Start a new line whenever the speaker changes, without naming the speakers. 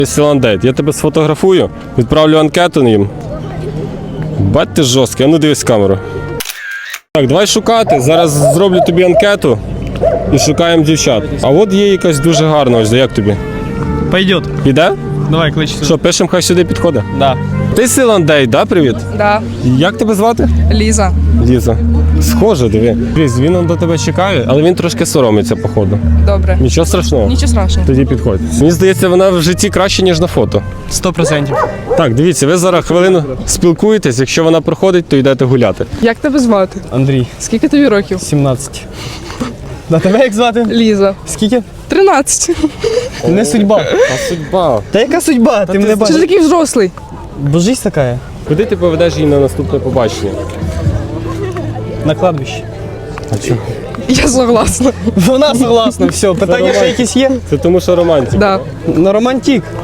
Сіландейт, я тебе сфотографую, відправлю анкету їм. Бать ти жорсткий, а ну дивись в камеру. Так, давай шукати, зараз зроблю тобі анкету і шукаємо дівчат. А от є якась дуже гарна, ось, як тобі?
Пойдет.
Піде?
Давай, клич сюди.
Що, пишемо, хай сюди підходить?
Да.
Ти Сіландейт, да, привіт?
Да,
Як тебе звати?
Ліза.
Ліза. Схоже, диви. Кріс, він он до тебе чекає, але він трошки соромиться, походу.
Добре.
Нічого страшного.
Нічого страшного.
Тоді підходь. Мені здається, вона в житті краще, ніж на фото.
100%.
Так, дивіться, ви зараз хвилину спілкуєтесь, якщо вона проходить, то йдете гуляти.
Як тебе звати?
Андрій,
Скільки тобі років?
17. На тебе як звати?
Ліза.
Скільки?
13.
Не судьба.
А судьба.
Та яка судьба? Ти мене
Чи ти
бачиш?
такий взрослий?
Божись така.
Куди ти поведеш її на наступне побачення?
На кладбище.
А чого?
Я согласна.
Вона согласна, все. Питання ще якісь є?
Це тому, що романтика.
Да.
На романтик.